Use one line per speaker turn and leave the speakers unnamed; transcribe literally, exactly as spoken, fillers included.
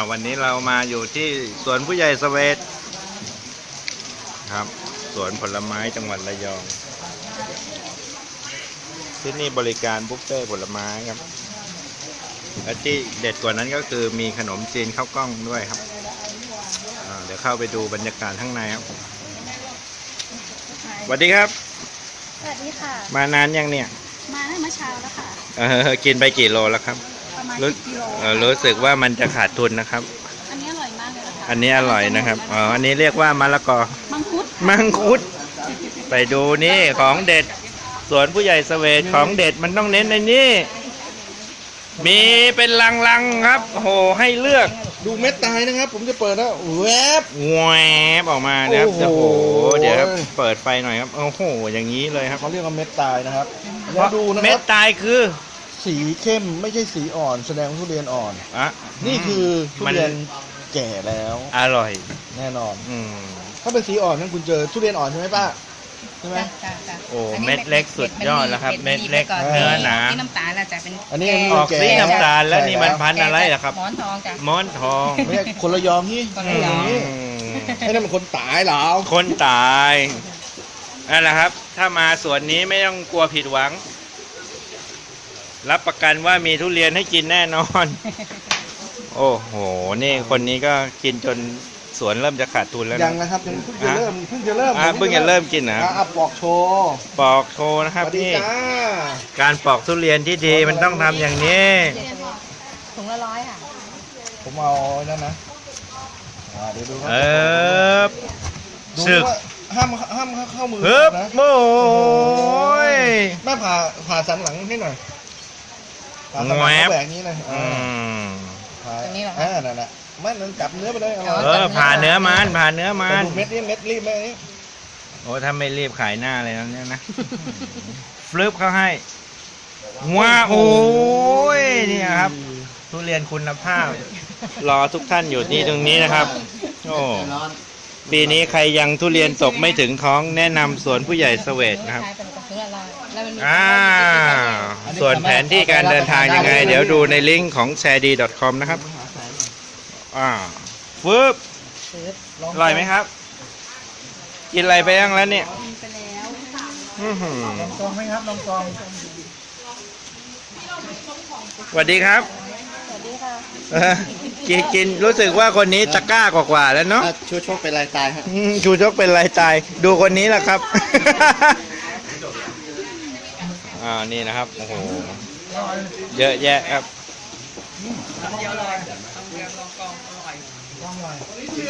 วันนี้เรามาอยู่ที่สวนผู้ใหญ่เสวตครับสวนผลไม้จังหวัดระยองที่นี่บริการบุฟเฟ่ผลไม้ครับและที่เด็ดกว่านั้นก็คือมีขนมจีนข้าวกล้องด้วยครับเดี๋ยวเข้าไปดูบรรยากาศข้างในครับสวัสดีครับ
สวัสดีค่ะ
มานานยังเนี่ย
มาได้เมื่อเช้าแล้วค่ะ
เออกินไปกี่โลแล้วครับ
ประมาณสิบกิโล
รู้สึกว่ามันจะขาดทุนนะครับ
อันนี้อร่อยมากเลยนะคะ
อันนี้อร่อยนะครับอ๋ออันนี้เรียกว่ามะละกอ
มังคุด
มังคุดไปดูนี่ของเด็ดสวนผู้ใหญ่เสวตของเด็ดมันต้องเน้นในนี้มีเป็นลังๆครับโอ้โหให้เลือก
ดูเม็ดตายนะครับผมจะเปิดแล้วแวบ
แวบออกมานะครับโอ้โหเดี๋ยวเปิดไฟหน่อยครับโอ้โหอย่างนี้เลยครับ
เขาเรียกว่าเม็ดตายนะครับ
เพราะดูนะครับเม็ดตายคือ
สีเข้มไม่ใช่สีอ่อนแสดงว่าทุเรียนอ่อน
อ่ะ
นี่คือทุเรียนแก่แล้ว
อร่อย
แน่นอน
อืม
ถ้าเป็นสีอ่อนนั่นคุณเจอทุเรียนอ่อนใช่ไหมป้าใช่ไหม
โอ้เม็ดเล็กสุดยอดแล้วครับเม็ดเล็กเนื้อหนา
ที่น้ำตาลจะเป็น
อันนี้
ออกสีน้ำตาลแล้วนี่มันพันอะไรล่ะครับ
หมอนทองจ้ะ
หมอนทอง
ไม่ใช่คนละยองนี่คนละยองนี่ไอ้นั่นมันคนตายเหรอ
คนตายนั่นแหละครับถ้ามาสวนนี้ไม่ต้องกลัวผิดหวังรับประกันว่ามีทุเรียนให้กินแน่นอนโอ้โหนี่คนนี้ก็กินจนสวนเริ่มจะขาดทุนแล้ว
ยังนะครับยังเพิ่งจะเริ่มเพิ่งจะเริ่ม
เพิ่งจะเริ่มกินนะ
ปอกโชว์
ปอกโชว์นะครับนี่การปอกทุเรียนที่ดีมันต้องทำอย่างนี้
ถุงละร้อยค่ะ
ผมเอานั่นนะเดี๋ยวดู
เออสึก
ห้ามห้ามเข้ามือ
นะโอ้ย
แม่ผ่าผ่าสันหลังให้หน่อยผ่าสันหลังแบบนี้เลย
อืม
ผ่าตรงนี้เหรออ่านั่นแหละไม่มันจับเนื้อไปเลย
เออผ่าเนื้อมันผ่าเนื้อมัน
เม็ดนี้เม็ดรีบไหมนี่
โอ้ถ้าไม่รีบขายหน้าเลยนะเนี่ยนะฟลิปเขาให้ว้าโอ้ยนี่ครับทุเรียนคุณภาพรอทุกท่านอยู่ที่ตรงนี้นะครับโอ้ปีนี้ใครยังทุเรียนตกไม่ถึงท้องแนะนำสวนผู้ใหญ่เสวตนะครับอ่าส่วนแผนที่การเดินทางยังไงเดี๋ยวดูในลิงก์ของ แชร์ดี ดอท คอม นะครับอ่าฟึบอร่อยไหมครับกินอะไรไปยังแล้วเนี่ย
กินไปแล้ว
ลองกองไหมครับลองกอง
สวัสดีครับ
สวัสดีค่ะ
กินกินรู้สึกว่าคนนี้ตะกร้ากว่าๆแล้วเนาะ
ชูชกเป็นลายตายครับ
ชูชกเป็นลายตายดูคนนี้แหละครับอ่านี่นะครับโอ้โหเยอะแยะครับ